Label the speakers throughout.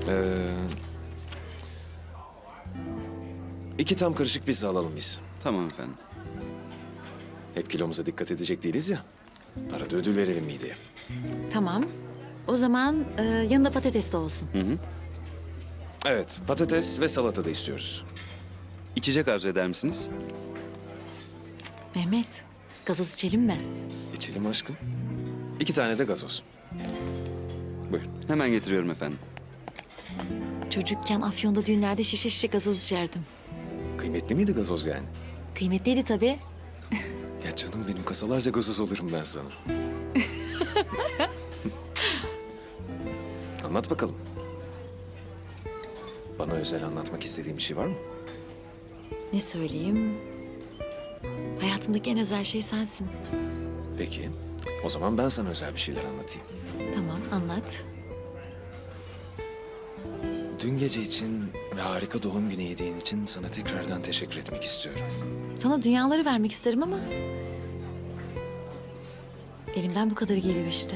Speaker 1: Ee, iki tam karışık pizza alalım biz.
Speaker 2: Tamam efendim.
Speaker 1: Hep kilomuza dikkat edecek değiliz ya. Arada ödül verelim mideye.
Speaker 3: Tamam. O zaman yanında patates de olsun.
Speaker 1: Evet, patates ve salata da istiyoruz.
Speaker 2: İçecek arzu eder misiniz?
Speaker 3: Mehmet, gazoz içelim mi?
Speaker 1: İçelim aşkım. 2 tane de gazoz. Buyurun.
Speaker 2: Hemen getiriyorum efendim.
Speaker 3: Çocukken Afyon'da düğünlerde şişe şişe gazoz içerdim.
Speaker 1: Kıymetli miydi gazoz yani?
Speaker 3: Kıymetliydi tabii.
Speaker 1: Ya canım benim, kasalarca gazoz alırım ben sana. Anlat bakalım. Bana özel anlatmak istediğin bir şey var mı?
Speaker 3: Ne söyleyeyim? Hayatımdaki en özel şey sensin.
Speaker 1: Peki. O zaman ben sana özel bir şeyler anlatayım.
Speaker 3: Tamam, anlat.
Speaker 1: Dün gece için ve harika doğum günü hediyen için sana tekrardan teşekkür etmek istiyorum.
Speaker 3: Sana dünyaları vermek isterim ama... elimden bu kadarı geliyor işte.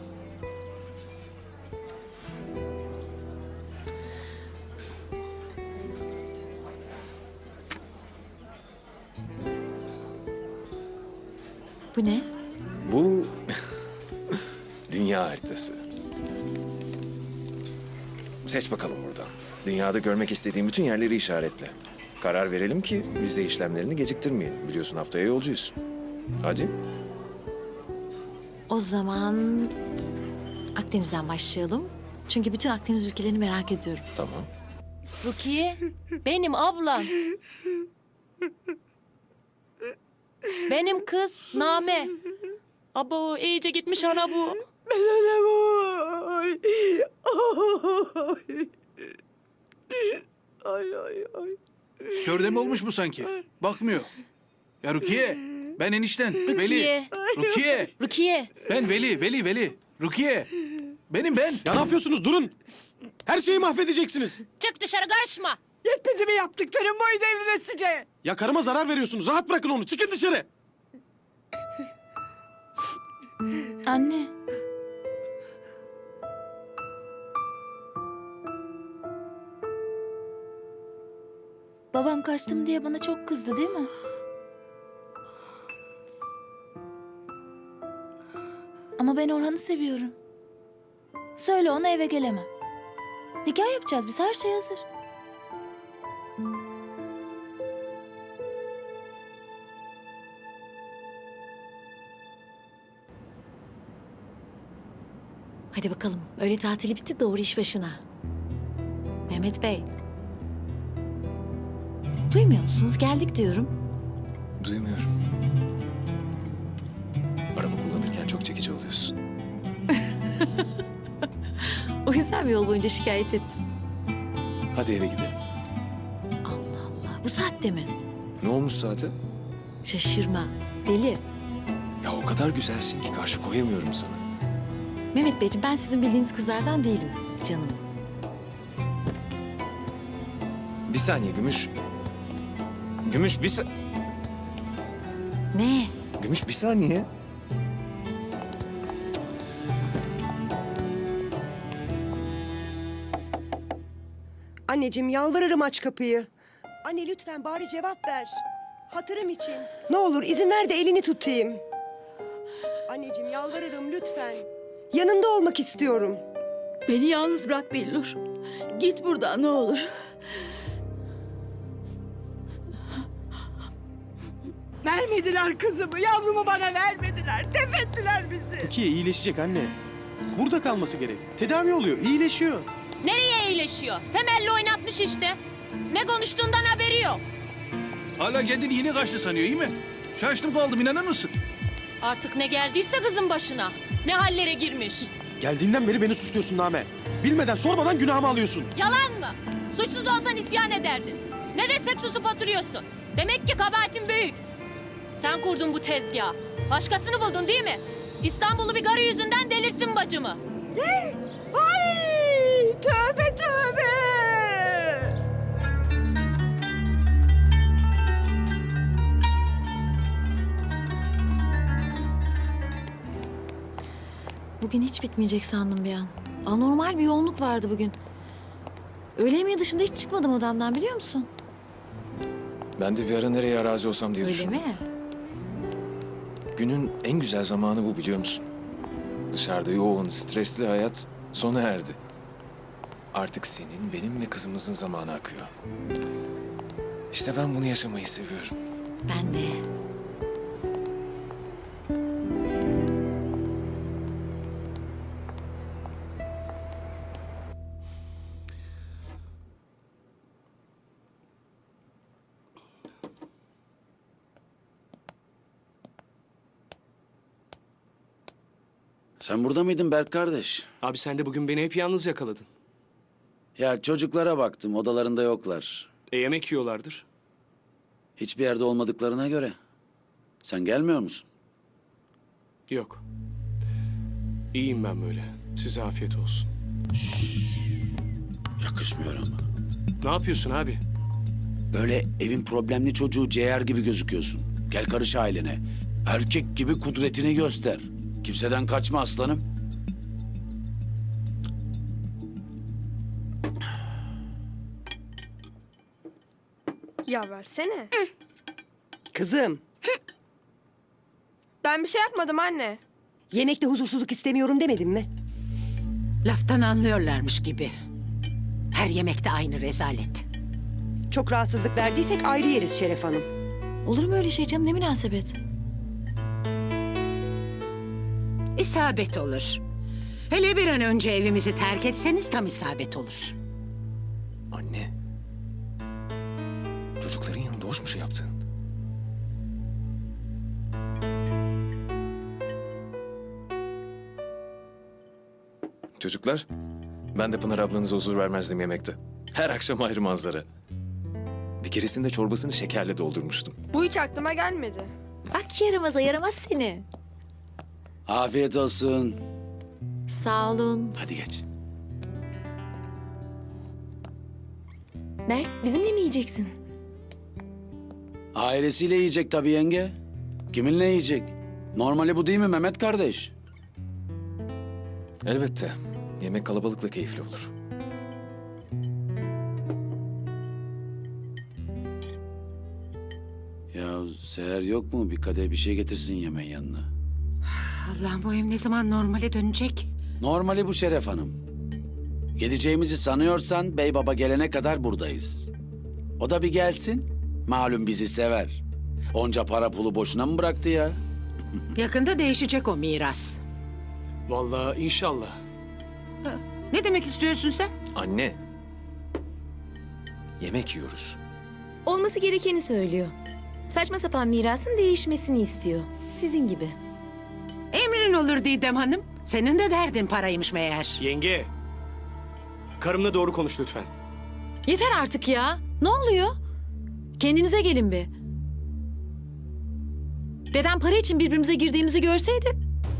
Speaker 3: Bu ne?
Speaker 1: Bu dünya haritası. Seç bakalım buradan. Dünyada görmek istediğin bütün yerleri işaretle. Karar verelim ki vize işlemlerini geciktirmeyelim. Biliyorsun haftaya yolcuyuz. Hadi.
Speaker 3: O zaman Akdeniz'den başlayalım. Çünkü bütün Akdeniz ülkelerini merak ediyorum.
Speaker 1: Tamam.
Speaker 4: Rukiye, benim ablam. Benim kız Name. Abo iyice gitmiş ana bu.
Speaker 5: Körde mi olmuş bu sanki? Bakmıyor. Ya Rukiye, ben enişten. Veli.
Speaker 4: Rukiye.
Speaker 5: Rukiye,
Speaker 4: Rukiye.
Speaker 5: ben Veli. Rukiye, benim ben.
Speaker 6: Ya ne yapıyorsunuz? Durun. Her şeyi mahvedeceksiniz.
Speaker 4: Çık dışarı karışma.
Speaker 7: Yetmedi mi yaptıklarım buydu evlenesice?
Speaker 6: Ya karıma zarar veriyorsunuz. Rahat bırakın onu. Çıkın dışarı.
Speaker 8: Anne. Babam kaçtım diye bana çok kızdı değil mi? Ama ben Orhan'ı seviyorum. Söyle ona eve gelemem. Nikah yapacağız biz, her şey hazır.
Speaker 3: Hadi bakalım. Öğle tatili bitti, doğru iş başına. Mehmet Bey. Duymuyor musunuz? Geldik diyorum.
Speaker 1: Duymuyorum. Araba kullanırken çok çekici oluyorsun.
Speaker 3: O yüzden mi yol boyunca şikayet ettin?
Speaker 1: Hadi eve gidelim.
Speaker 3: Allah Allah. Bu saatte mi?
Speaker 1: Ne olmuş zaten?
Speaker 3: Şaşırma. Deli.
Speaker 1: Ya o kadar güzelsin ki karşı koyamıyorum sana.
Speaker 3: Mehmet Beyciğim, ben sizin bildiğiniz kızlardan değilim canım.
Speaker 1: Bir saniye Gümüş. Gümüş
Speaker 3: Ne?
Speaker 1: Gümüş bir saniye.
Speaker 7: Anneciğim yalvarırım aç kapıyı. Anne lütfen bari cevap ver. Hatırım için. Ne olur izin ver de elini tutayım. Anneciğim yalvarırım lütfen. Yanında olmak istiyorum.
Speaker 9: Beni yalnız bırak Billur. Git buradan ne olur. Vermediler kızımı, yavrumu bana vermediler. Tefettiler bizi.
Speaker 6: Rukiye iyileşecek anne. Burada kalması gerek. Tedavi oluyor. İyileşiyor.
Speaker 4: Nereye iyileşiyor? Temelli oynatmış işte. Ne konuştuğundan haberi yok.
Speaker 5: Hala kendini yine kaçtı sanıyor, iyi mi? Şaştım kaldım, inanır mısın?
Speaker 4: Artık ne geldiyse kızın başına. Ne hallere girmiş.
Speaker 6: Geldiğinden beri beni suçluyorsun Name. Bilmeden sormadan günahımı alıyorsun.
Speaker 4: Yalan mı? Suçsuz olsan isyan ederdin. Ne desek susup oturuyorsun. Demek ki kabahatin büyük. Sen kurdun bu tezgahı. Başkasını buldun değil mi? İstanbul'u bir garı yüzünden delirttin bacımı.
Speaker 7: Ne? Ay! Tövbe tövbe!
Speaker 3: Bugün hiç bitmeyecek sandım bir an. Anormal bir yoğunluk vardı bugün. Öğle yemeği dışında hiç çıkmadım odamdan biliyor musun?
Speaker 1: Ben de bir ara nereye arazi olsam diye
Speaker 3: Öyle
Speaker 1: düşündüm.
Speaker 3: mi?
Speaker 1: Günün en güzel zamanı bu biliyor musun? Dışarıda yoğun, stresli hayat sona erdi. Artık senin, benim ve kızımızın zamanı akıyor. İşte ben bunu yaşamayı seviyorum.
Speaker 3: Ben de.
Speaker 10: Sen burada mıydın Berk kardeş?
Speaker 6: Abi sen de bugün beni hep yalnız yakaladın.
Speaker 10: Ya çocuklara baktım, odalarında yoklar.
Speaker 6: Yemek yiyorlardır.
Speaker 10: Hiçbir yerde olmadıklarına göre. Sen gelmiyor musun?
Speaker 6: Yok. İyiyim ben böyle. Size afiyet olsun.
Speaker 10: Yakışmıyor ama.
Speaker 6: Ne yapıyorsun abi?
Speaker 10: Böyle evin problemli çocuğu ciğer gibi gözüküyorsun. Gel karış ailene. Erkek gibi kudretini göster. Kimseden kaçma aslanım.
Speaker 11: Ya versene.
Speaker 7: Kızım,
Speaker 11: Ben bir şey yapmadım anne.
Speaker 7: yemekte huzursuzluk istemiyorum demedim mi?
Speaker 9: Laftan anlıyorlarmış gibi. Her yemekte aynı rezalet.
Speaker 7: Çok rahatsızlık verdiysek ayrı yeriz Şeref Hanım.
Speaker 3: Olur mu öyle şey canım ne münasebet?
Speaker 9: İsabet olur. Hele bir an önce evimizi terk etseniz tam isabet olur.
Speaker 1: Anne. Çocukların yanında hoş mu şey yaptın? Çocuklar, ben de Pınar ablanıza huzur vermezdim yemekte. Her akşam ayrı manzara. Bir keresinde çorbasını şekerle doldurmuştum.
Speaker 11: Bu hiç aklıma gelmedi.
Speaker 3: Bak yaramaza yaramaz seni.
Speaker 10: Afiyet olsun.
Speaker 3: Sağ olun.
Speaker 1: Hadi geç.
Speaker 3: Berk bizimle mi yiyeceksin?
Speaker 10: Ailesiyle yiyecek tabii yenge. Kiminle yiyecek? Normali bu değil mi Mehmet kardeş?
Speaker 1: Elbette. Yemek kalabalıkla keyifli olur.
Speaker 10: Ya Seher yok mu? Bir kadeh bir şey getirsin yemeğin yanına.
Speaker 9: Allah'ım bu ev ne zaman normale dönecek?
Speaker 10: Normali bu Şeref Hanım. Gideceğimizi sanıyorsan bey baba gelene kadar buradayız. O da bir gelsin. Malum bizi sever. Onca para pulu boşuna mı bıraktı ya?
Speaker 9: Yakında değişecek o miras.
Speaker 6: Vallahi inşallah.
Speaker 9: Ne demek istiyorsun sen?
Speaker 1: Anne. Yemek yiyoruz.
Speaker 12: Olması gerekeni söylüyor. Saçma sapan mirasın değişmesini istiyor. Sizin gibi.
Speaker 9: Emrin olur Didem Hanım. Senin de derdin paraymış meğer.
Speaker 6: Yenge. Karımla doğru konuş lütfen.
Speaker 3: Yeter artık ya. Ne oluyor? Kendinize gelin bir. Dedem para için birbirimize girdiğimizi görseydi...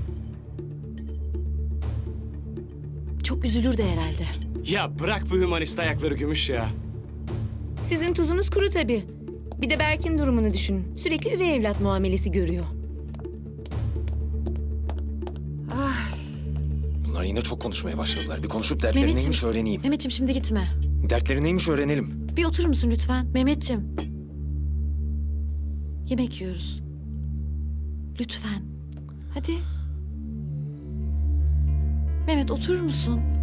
Speaker 3: çok üzülürdü herhalde.
Speaker 6: Ya bırak bu hümanist ayakları Gümüş ya.
Speaker 12: Sizin tuzunuz kuru tabii. Bir de Berk'in durumunu düşünün. Sürekli üvey evlat muamelesi görüyor.
Speaker 1: Bunlar yine çok konuşmaya başladılar. Bir konuşup dertleri neymiş öğreneyim.
Speaker 3: Mehmetciğim şimdi gitme.
Speaker 1: Dertleri neymiş öğrenelim.
Speaker 3: Bir oturur musun lütfen? Mehmetciğim. Yemek yiyoruz. Lütfen. Hadi. Mehmet oturur musun?